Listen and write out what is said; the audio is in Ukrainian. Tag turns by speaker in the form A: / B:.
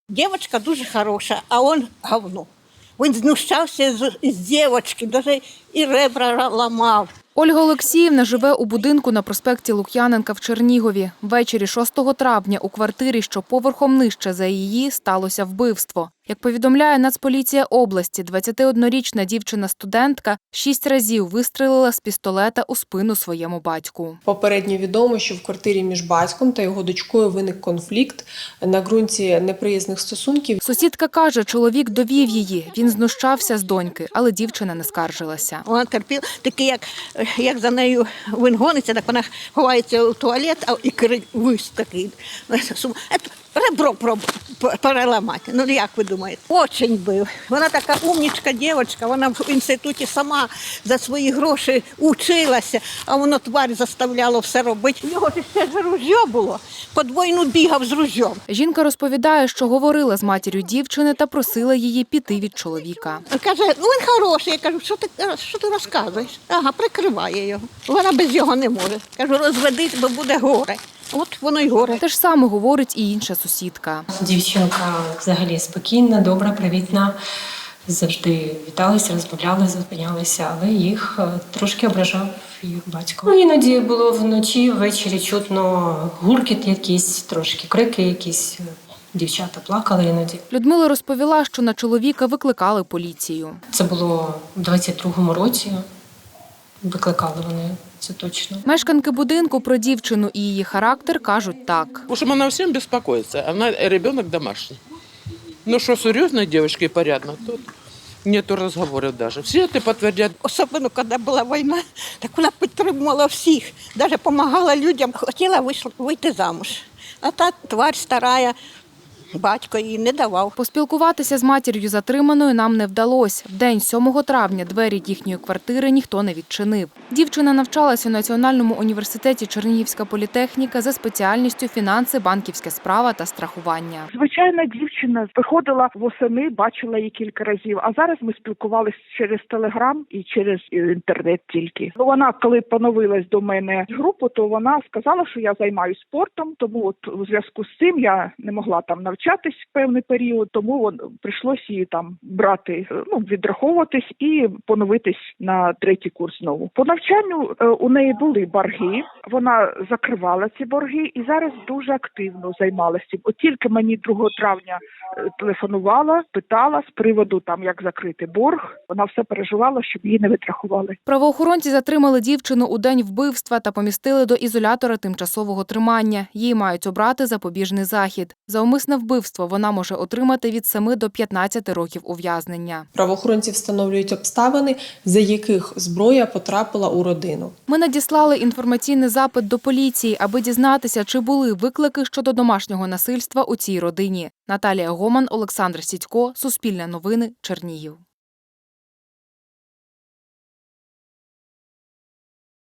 A: Дівчинка дуже хороша, а він говно. Він знущався з дівчинки, навіть і ребра ламав.
B: Ольга Олексіївна живе у будинку на проспекті Лук'яненка в Чернігові. Ввечері 6 травня у квартирі, що поверхом нижче за її, сталося вбивство. Як повідомляє Нацполіція області, 21-річна дівчина-студентка 6 разів вистрелила з пістолета у спину своєму батьку.
C: Попередньо відомо, що в квартирі між батьком та його дочкою виник конфлікт на ґрунті неприязних стосунків.
B: Сусідка каже, чоловік довів її. Він знущався з доньки, але дівчина не скаржилася.
A: Вона терпіла, таке, як за нею він гониться, так вона ховається у туалет, і крик такий. Ребро переламати. Ну, як ви думаєте? Очень бив. Вона така умнічка дівчинка, вона в інституті сама за свої гроші училася, а воно тварь заставляло все робити. У нього ж ще ж ружьо було, подвійну бігав з ружьом.
B: Жінка розповідає, що говорила з матір'ю дівчини та просила її піти від чоловіка.
A: Каже, він хороший. Я кажу, що ти розказуєш? Ага, прикриває його. Вона без його не може. Кажу, розведись, бо буде горе. От воно й горе.
B: Те ж саме говорить і інша сусідка.
D: Дівчинка взагалі спокійна, добра, привітна. Завжди віталися, розмовляли, зупинялися, але їх трошки ображав їх батько. Іноді було вночі, ввечері чутно гуркіт якийсь, трошки крики якісь. Дівчата плакали іноді.
B: Людмила розповіла, що на чоловіка викликали поліцію.
D: Це було в 22-му році. Викликали вони, це точно.
B: Мешканки будинку про дівчину і її характер кажуть так.
E: В общем, она всем беспокоится. Она ребенок домашний. Ну что, серьезная девочка и порядно, тут нету разговоров даже. Все это подтвердят.
A: Особливо, коли була війна, так вона підтримувала всіх. Навіть допомагала людям. Хотіла вийти замуж. А та тварь старая, батько їй не давав.
B: Поспілкуватися з матір'ю затриманою нам не вдалося. В день 7 травня двері їхньої квартири ніхто не відчинив. Дівчина навчалась у Національному університеті Чернігівська політехніка за спеціальністю фінанси, банківське справа та страхування.
F: Звичайна дівчина виходила восени, бачила її кілька разів, а зараз ми спілкувалися через Телеграм і через інтернет тільки. Вона, коли поновилась до мене в групу, то вона сказала, що я займаюся спортом, тому от у зв'язку з цим я не могла там навчатись певний період, тому прийшлося її там брати, відраховуватись і поновитись на 3-й курс знову. По навчанню у неї були борги, вона закривала ці борги і зараз дуже активно займалася цим. От тільки мені 2 травня телефонувала, питала з приводу як закрити борг. Вона все переживала, щоб її не відрахували.
B: Правоохоронці затримали дівчину у день вбивства та помістили до ізолятора тимчасового тримання. Їй мають обрати запобіжний захід. За умисне вбивство вона може отримати від 7 до 15 років ув'язнення.
C: Правоохоронці встановлюють обставини, за яких зброя потрапила у родину.
B: Ми надіслали інформаційний запит до поліції, аби дізнатися, чи були виклики щодо домашнього насильства у цій родині. Наталія Гоман, Олександр Сідько, Суспільне новини, Чернігів.